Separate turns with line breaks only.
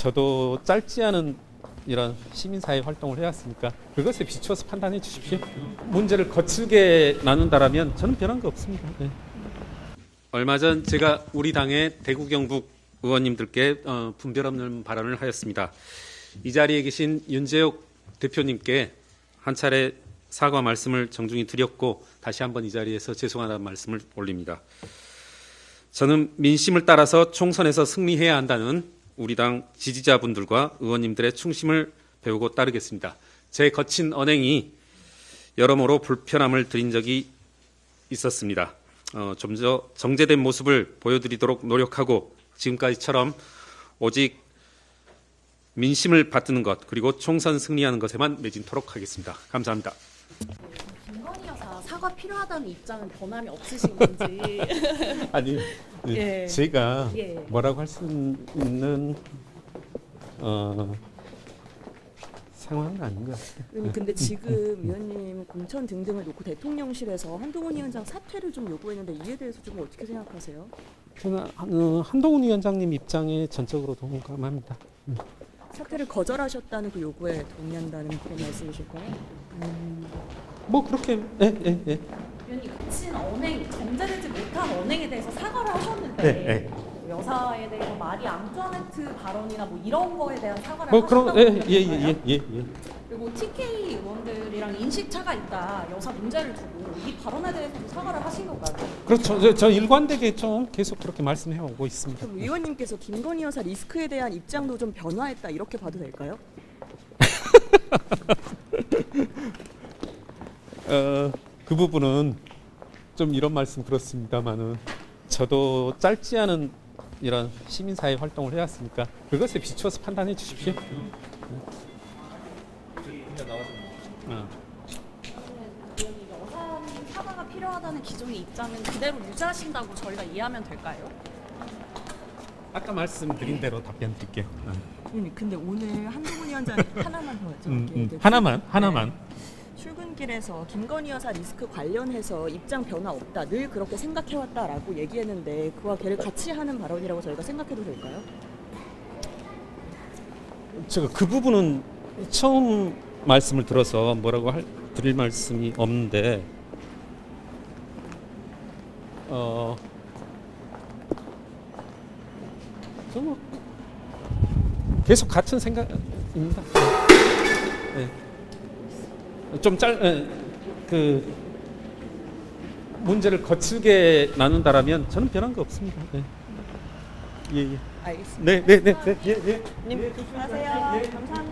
저도 짧지 않은 이런 시민사회 활동을 해왔으니까 그것에 비추어서 판단해 주십시오. 문제를 거칠게 나눈다라면 저는 변한 거 없습니다. 네. 얼마 전 제가 우리 당의 대구 경북 의원님들께 분별 없는 발언을 하였습니다. 이 자리에 계신 윤재욱 대표님께 한 차례 사과 말씀을 정중히 드렸고 다시 한번 이 자리에서 죄송하다는 말씀을 올립니다. 저는 민심을 따라서 총선에서 승리해야 한다는 우리 당 지지자분들과 의원님들의 충심을 배우고 따르겠습니다. 제 거친 언행이 여러모로 불편함을 드린 적이 있었습니다. 좀 더 정제된 모습을 보여드리도록 노력하고 지금까지처럼 오직 민심을 받드는 것 그리고 총선 승리하는 것에만 매진토록 하겠습니다. 감사합니다.
김건희 여사 사과 필요하다는 입장은 변함이 없으신 건지.
아니,
예.
제가
예.
뭐라고 할 수 있는 상황은 아닌 것 같아요.
의원님, 근데 지금 위원님 공천 등등을 놓고 대통령실에서 한동훈 위원장 사퇴를 좀 요구했는데 이에 대해서 좀 어떻게 생각하세요?
저는 한동훈 위원장님 입장에 전적으로 동감합니다.
사퇴를 거절하셨다는 그 요구에 동의한다는 그런 말씀이실까요?
뭐 그렇게 예.
위원님 거친 언행, 정제되지 못한 언행에 대해서 사과를 하셨는데
네.
여사에 대해서 마리 앙투아네트 발언이나 뭐 이런 거에 대한 사과를
뭐
하셨다고
그런
들었어요.
예.
그리고 TK 의원들이랑 인식 차가 있다. 여사 문제를 두고 이 발언에 대해서도 사과를 하신 건가요?
그렇죠. 저 일관되게 좀 계속 그렇게 말씀해 오고 있습니다.
그럼 위원님께서 김건희 여사 리스크에 대한 입장도 좀 변화했다 이렇게 봐도 될까요?
그 부분은 좀 이런 말씀 그렇습니다만은 저도 짧지 않은 이런 시민사회 활동을 해왔으니까 그것에 비추어서 판단해 주십시오.
위원님 여사님 사과가 필요하다는 기존의 입장은 그대로 유지하신다고 저희가 이해하면 될까요?
아까 말씀드린 대로 답변 드릴게요.
위원님, 근데 오늘 한동훈 위원장 하나만 더 여쭤볼게요.
하나만.
출근길에서 김건희 여사 리스크 관련해서 입장 변화 없다, 늘 그렇게 생각해왔다라고 얘기했는데 그와 걔를 같이 하는 발언이라고 저희가 생각해도 될까요?
제가 그 부분은 처음 말씀을 들어서 뭐라고 드릴 말씀이 없는데 좀 계속 같은 생각입니다. 네. 그 문제를 거칠게 나눈다라면 저는 변한 거 없습니다. 네. 예.
알겠습니다.
네. 예.
님 조심하세요. 감사합니다.